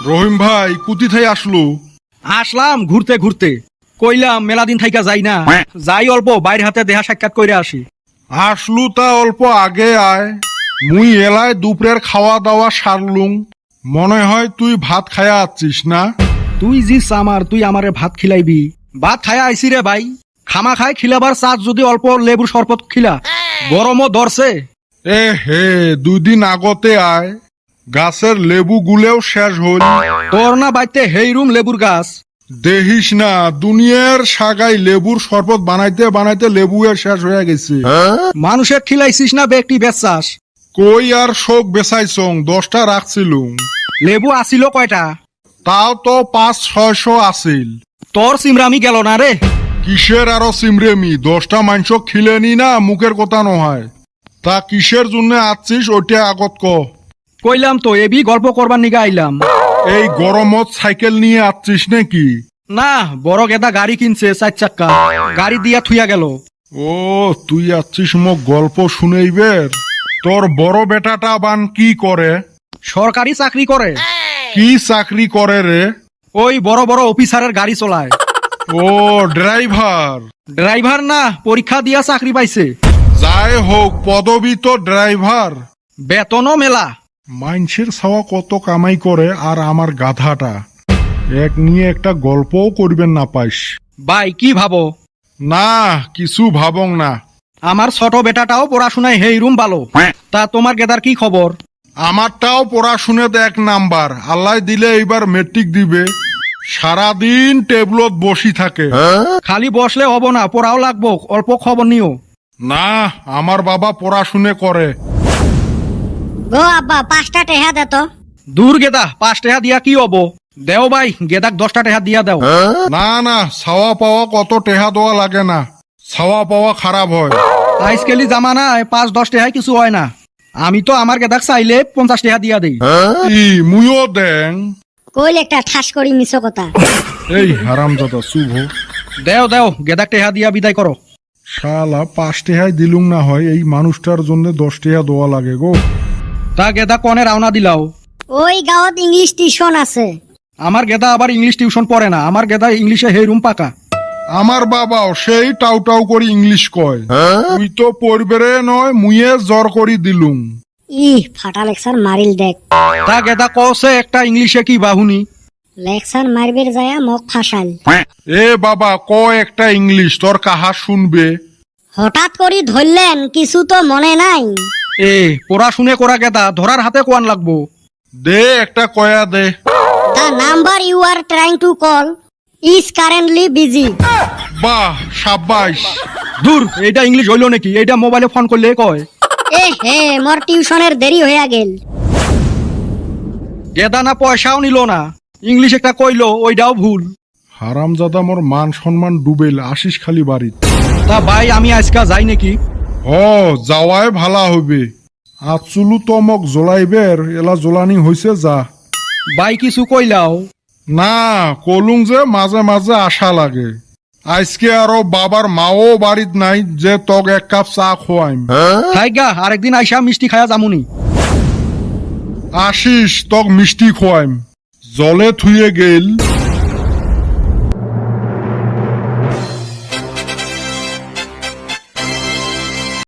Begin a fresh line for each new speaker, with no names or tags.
রহিম ভাই কুতি থাই আসলো?
আসলাম ঘুরতে ঘুরতে, কইলাম মেলা দিন থাইকা যাই না, যাই অল্প বাইরে হাতে দেহা সাক্ষাৎ কইরা আসি।
আসলু তা অল্প আগে আয়, মুই এলায় দুপুরের খাওয়া দাওয়া সারলুম। মনে হয় তুই ভাত খায়া আছিস না?
তুই জি সামার, তুই আমারে ভাত খিলাইবি? ভাত খায়া আইসি রে ভাই, খামা খাই খিলাবার চাঁদ যদি অল্প লেবুর শরবত খিলা, গরমও ধরছে।
এ হে, 2 দিন আগতে আয়, গাছের লেবু গুলেও শেষ হল।
তোর না বাইতে হেইরুম লেবুর গাছ?
দেখিস না, দুনিয়ার সাগাই লেবুর শরবত বানাইতে বানাইতে লেবু শেষ হয়ে গেছে।
মানুষের খিলাইছিস না ব্যক্তি বেচাস?
কই আর শোক বেচাইছং, 10টা রাখছিলুম।
লেবু আসিল কয়টা?
তাও তো 500-600 আছিল।
তোর সিমরামি গেল না রে।
কিসের আরো সিমরেমি, 10টা মাংস খিলেনি না, মুখের কথা নয়। তা কিসের জন্য আছিস ওইটা আগত ক।
কইলাম তো এবি গল্প করবার নিগা আইলাম।
এই গরমত সাইকেল নিয়ে আছিস নাকি?
না, বড় গেদা গাড়ি কিনছে 4 চাক্কা, গাড়ি দিয়া থুইয়া গেল।
ও, তুই আছিস মোক গল্প শুনেইবের? তোর বড় বেটাটা বান কি করে?
সরকারি চাকরি করে।
কি চাকরি করে রে?
ওই বড় বড় অফিসারের গাড়ি চলায়।
ও, ড্রাইভার।
ড্রাইভার না, পরীক্ষা দিয়া চাকরি পাইছে।
যাই হোক, পদবি তো ড্রাইভার।
বেতনও মেলা।
মাইনসের ছাওয়া কত কামাই করে, আর আমার গাধাটা এক নিয়ে একটা গল্পও করবেন না পাইস।
ভাই কি ভাবো?
না, কিছু ভাবং না।
আমার ছোট বেটাটাও পড়াশোনায় হেইরুম ভালো। তা তোমার গেদার কি খবর?
আমারটাও পড়াশুনেতে 1 নাম্বার, আল্লাহ দিলে এইবার মেট্রিক দিবে। সারাদিন টেবলত বসি থাকে।
খালি বসলে হব না, পড়াও লাগবো, অল্প খবর নিও।
না, আমার বাবা পড়াশুনে করে।
গো আব্বা 5টা টেহা দে তো।
দূর গেদা, 5 টাকা দিয়া কি হবো? দেও ভাই, গেদাক 10টা টাকা দিয়া দাও।
না না, ছাওয়া পাওয়া কত টেহা দেওয়া লাগে না, ছাওয়া পাওয়া খারাপ হয়।
আজকালি জামানায় 5-10 টাকায় কিছু হয় না। আমি তো আমার গেদাক চাইলে 50 টাকা দিয়া দেই।
ই মুইও দেং।
কইল একটা ঠাস করি মিছো কথা।
এই হারামজাদা শুভ,
দেও দেও, গেদাক টাকা দিয়া বিদায় করো।
শালা 5 টেহাই দিলুম না হয়, এই মানুষটার জন্য 10 টেহা দেওয়া লাগে গো।
তা গেদা কনে রাওনা দিলাও?
ওই গাঁৱত ইংলিশ টিউশন আছে।
আমার গেদা আবার ইংলিশ টিউশন পড়ে না, আমার গেদা ইংলিশে হেইরুম পাকা।
আমার বাবাও সেই টাউ টাউ করে ইংলিশ কয়। তুই তো পড়বে নয়, মুইয়ে জ্বর করি দিলুম।
ফাটা লেকচার মারিল দেখ।
তা গেদা কছে একটা ইংলিশে কি বাহুনি?
লেকচার মারবের যায়া মোক ফাঁসাল।
এ বাবা, ক একটা ইংলিশ, তোর কাহা শুনবে।
হঠাৎ করি ধরলেন, কিছু তো মনে নাই।
এ পড়াশুনে করা গেদা, ধরার হাতে কোয়ান লাগবো।
দে একটা কয়া দে।
The number you are trying to call is currently busy.
বাহ, সাব্বাস।
দূর, এইটা ইংলিশ হইলো নাকি? এইটা মোবাইলে ফোন করলে কয়।
এ হে, মোর টিউশনের দেরি হইয়া গেল।
গেদা না পয়সাও নিল না, ইংলিশ একটা কইলো, ওইটাও ভুল।
হারামজাদা মোর মান সম্মান ডুবেল, আসিস খালি বাড়িত।
তা ভাই আমি আজকা যাই নাকি?
যাওয়াই ভালা হইবে। আচুলু তো মোক জ্বলাইবের, এলা জ্বলানি হইছে, যা।
ভাই কিছু কইলাও?
না, কলুং যে মাঝে মাঝে আশা লাগে। আজকে আরো বাবার মাও বাড়িত নাই যে তক 1 কাপ চা খোয়াইম।
থাইগা, আরেকদিন আইসা মিষ্টি খায়া জামুনি।
আসিস, তক মিষ্টি খোয়াইম। জলে থুয়ে গেল।